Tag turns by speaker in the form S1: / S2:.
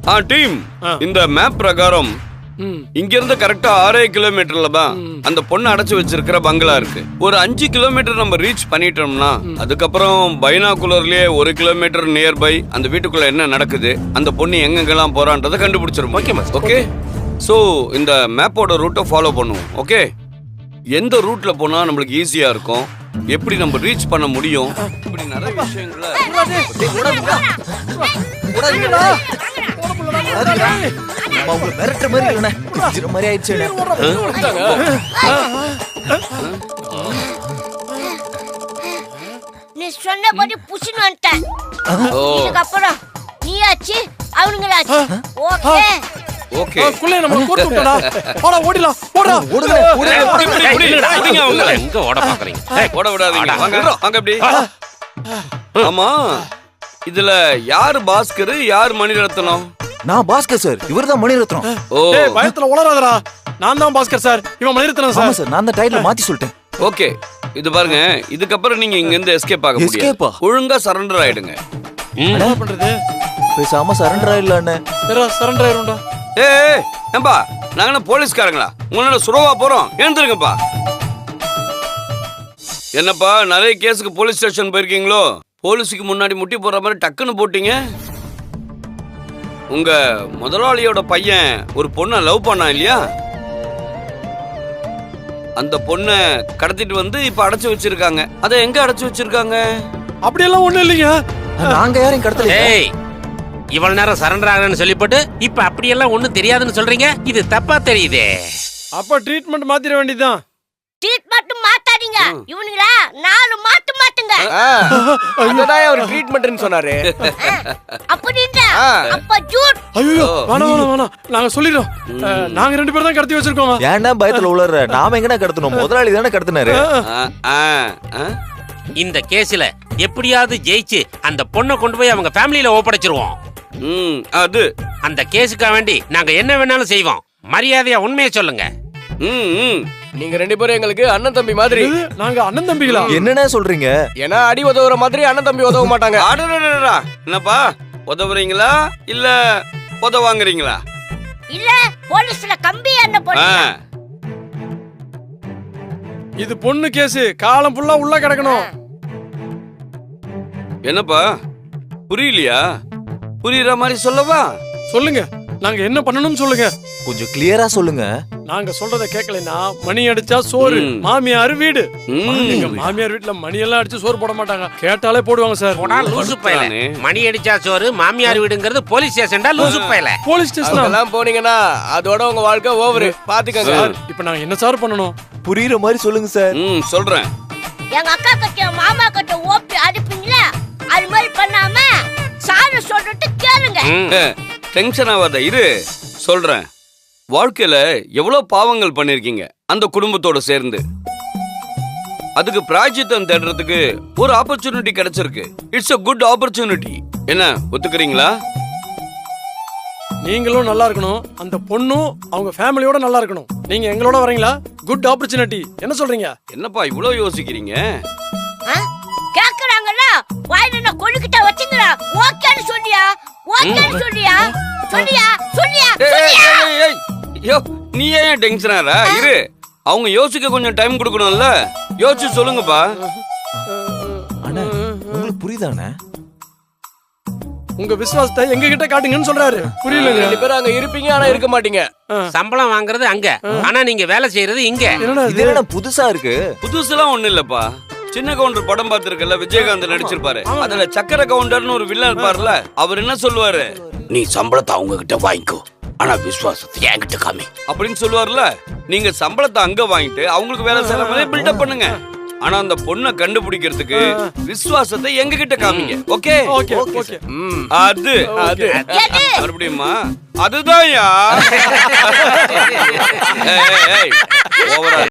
S1: Team இந்த map பிரகாரம் இங்க இருந்து கரெக்டா 6 கிலோமீட்டர்ல தான் அந்த பொண்ணு அடைச்சு வச்சிருக்கிற பங்களா இருக்கு. ஒரு 5 கிலோமீட்டர் நம்ம ரீச் பண்ணிட்டோம்னா அதுக்கப்புறம் பைனாகுலர்லயே 1 கிலோமீட்டர் நியர்பை அந்த வீட்டுக்குள்ள என்ன நடக்குது, அந்த பொண்ணு எங்கெங்கெல்லாம் போறான்றதை கண்டுபிடிச்சிரும். ஓகே, சோ இந்த மேப்போட ரூட்டை ஃபாலோ பண்ணுவோம். ஓகே, எந்த ரூட்ல போனா நம்மளுக்கு ஈஸியா இருக்கும், எப்படி நம்ம ரீச் பண்ண முடியும், இப்படி நிறைய விஷயங்களை
S2: நீ சொன்னபடி புஷின்னு வந்துட்டேன். இதுக்கப்புறம் நீயாச்சு அவனுங்களாச்சு. ஓகே
S1: ஓகே
S3: குள்ளே நம்ம கோட் விட்டடா. போடா ஓடிலாம். போடா
S1: ஓடுங்க. புடிங்க அவங்க எங்க ஓட பாக்குறீங்க? ஓட விடாதீங்க. வாங்க வாங்க அப்படி. ஆமா, இதுல யார் பாஸ்கர் யார் மணிரத்னம்?
S4: நான் பாஸ்கர் சார், இவர்தான் மணிரத்னம்.
S1: ஓ
S3: ஏய் பயத்துல உளறாதடா. நான் தான் பாஸ்கர் சார், இவன் மணிரத்னம் சார்.
S4: ஆமா சார், நான் தான் டைட்டில் மாத்தி சொல்லிட்டேன்.
S1: ஓகே, இது பாருங்க, இதுக்கப்புறம் நீங்க இங்க இருந்து எஸ்கேப் ஆக முடியாது.
S4: எஸ்கேப்பா?
S1: ஒழுங்கா சரண்டர் ஆயிடுங்க.
S3: என்ன பண்றது?
S4: பேசாம சரண்டர் ஆயிடலானே.
S3: ஏறா சரண்டர் ஆயிடும்டா.
S1: ஏய் ஏம்பா, நாங்க என்ன போலீஸ்காரங்களா? உங்களோட சுரவா போறோம், எழுந்துருங்கப்பா. என்னப்பா, நிறைய கேஸுக்கு போலீஸ் ஸ்டேஷன் போயிருக்கீங்களோ? போலீஸுக்கு முன்னாடி முட்டி போடுற மாதிரி டக்குன்னு போட்டீங்க. உங்க முதலாளியோட பையன் ஒரு பொண்ணை லவ் பண்ணா இல்லையா? அந்த பொண்ணை கடத்திட்டு வந்து இப்ப அடைச்சு வச்சிருக்காங்க. அதை எங்க அடைச்சு வச்சிருக்காங்க?
S3: அப்படியெல்லாம் ஒண்ணும் இல்லைங்க.
S4: நாங்க யாரையும் கடத்தல.
S5: ஏய், இவ்வளவு நேரம் சரண்டர் ஆகணும்னு சொல்லிப்போட்டு இப்ப அப்படியெல்லாம் ஒண்ணும் தெரியாதுன்னு சொல்றீங்க. இது தப்பா தெரியுதே.
S3: அப்ப ட்ரீட்மெண்ட் மாத்திர வேண்டியதுதான்.
S2: ட்ரீட்மெண்ட் மாத்தாதீங்க. இவனுங்களா 4 மாத்து மாத்துங்க.
S6: அதுதான் அவர் ட்ரீட்மெண்ட்னு சொன்னாரு.
S2: அப்படின்றா அப்ப ஜூட்.
S3: ஐயோ வேணாம். நாங்க சொல்லிடுறோம். நாங்க 2 பேரும் தான் கடத்தி வச்சிருக்கோம்.
S4: ஏன்டா பயத்துல உளற? நாம எங்கடா கடத்தணும்? முதலாளி தானே கடத்தினாரு.
S5: இந்த கேஸ்ல எப்படியாவது ஜெயிச்சு அந்த பொண்ணை கொண்டு போய் அவங்க ஃபேமிலியில ஒப்படைச்சிருவோம்.
S1: அது
S5: அந்த கேஸுக்காக வேண்டி நாங்க என்ன வேணாலும் செய்வோம். மரியாதையா உண்மையை சொல்லுங்க.
S6: நீங்க 2 பேரும் எங்களுக்கு அண்ணன் தம்பி மாதிரி.
S3: நாங்க அண்ணன் தம்பிகளா?
S4: என்னன்னா சொல்றீங்க?
S6: ஏன்னா அடி உதவுற மாதிரி அண்ணன் தம்பி உதவ மாட்டாங்க.
S1: என்னப்பா, உதவுறீங்களா இல்ல உதவாங்குறீங்களா?
S2: இல்ல போலீஸ்ல கம்பி என்ன போடுங்க.
S3: இது பொண்ணு கேஸ், காலம் ஃபுல்லா உள்ள கிடக்கணும்.
S1: என்னப்பா புரியலையா? புரியுற மாதிரி சொல்லவா?
S3: சொல்லுங்க, நாங்க என்ன பண்ணணும்னு சொல்லுங்க.
S4: கொஞ்சம் கிளியரா சொல்லுங்க.
S3: நாங்க சொல்றத கேட்கலைன்னா மணி அடிச்சா சோறு, மாமியார் வீடு. எங்க மாமியார் வீட்டுல மணி எல்லாம் அடிச்சு சோறு போட மாட்டாங்க, கேட்டாலே போடுவாங்க சார்.
S5: போடா லூசு பயல. மணி அடிச்சா சோறு, மாமியார் வீடுங்கிறது போலீஸ் ஸ்டேஷன்டா லூசு பயல.
S3: போலீஸ் ஸ்டேஷன்
S6: எல்லாம் போனீங்கன்னா அதோட உங்க வாழ்க்கை ஓவர். பாத்துக்கங்க.
S3: இப்ப நாங்க என்ன சார் பண்ணணும்?
S4: புரியுற மாதிரி சொல்லுங்க சார்.
S1: சொல்றேன்.
S2: எங்க அக்கா கிட்ட மாமா கிட்ட ஓப்பி அடிப்பீங்களா? அது மாதிரி பண்ணாம சாரு சொல்லிட்டு கேளுங்க.
S1: டென்ஷன் ஆகாத, இரு சொல்றேன். வாழ்க்கையில எவ்வளவு பாவங்கள் பண்ணிருக்கீங்க அந்த குடும்பத்தோட சேர்ந்து. அதுக்கு பிராயச்சித்தம் தேடுறதுக்கு ஒரு ஆப்பர்ச்சுனிட்டி கிடைச்சிருக்கு. It's a good opportunity. என்ன ஒத்துக்கிறீங்களா?
S3: நீங்களும் நல்லா இருக்கணும், அந்த பொண்ணும் அவங்க ஃபேமிலியோட நல்லா இருக்கணும். நீங்க எங்களோட வரீங்களா? Good opportunity. என்ன சொல்றீங்க?
S1: என்னப்பா இவ்வளவு யோசிக்கிறீங்க?
S2: கேக்குறாங்கல்ல, வாயில என்ன கொழுக்கிட்ட வச்சுங்கடா. ஓகேன்னு சொல்லியா? ஓகேன்னு சொல்லியா? சொல்லியா?
S1: நீ ஏன் டென்ஷன் ஆற? இரு, அவங்க யோசிக்க கொஞ்சம் டைம் கொடுக்கணும்ல. யோசிச்சு சொல்லுங்கப்பா.
S4: அண்ணா, உங்களுக்கு புரியுதானே?
S3: உங்க விசுவாசத்தை எங்க கிட்ட காட்டுங்கன்னு சொல்றாரு. புரியலங்க.
S6: 2 பேரும் அங்க இருப்பீங்க, ஆனா இருக்க மாட்டீங்க.
S5: சம்பளம் வாங்குறது அங்க, ஆனா நீங்க வேலை செய்யறது இங்க.
S4: இது என்ன புதுசா இருக்கு?
S1: புதுசுலாம் ஒண்ணு இல்லப்பா. சின்ன கவுண்டர் படம் பார்த்திருக்கல, விஜயகாந்த் நடிச்சிருப்பாரு. அதுல சக்கர கவுண்டர்னு ஒரு வில்லன் இருப்பார்ல, அவர் என்ன சொல்லுவாரு? நீ சம்பளத்தை அவங்க கிட்ட வாங்கிக்கோ, ஆனா விசுவாசத்தை என்கிட்ட காமி அப்படின்னு சொல்லுவார்ல. நீங்க சம்பளத்தை அங்க வாங்கிட்டு அவங்களுக்கு வேலை செய்யற மாதிரி பில்டப் பண்ணுங்க. ஆனா அந்த பொண்ணை கண்டுபிடிக்கிறதுக்கு விசுவாசத்தை எங்க கிட்ட காமிங்க. ஓகே? அது மறுபடியுமா? அதுதான்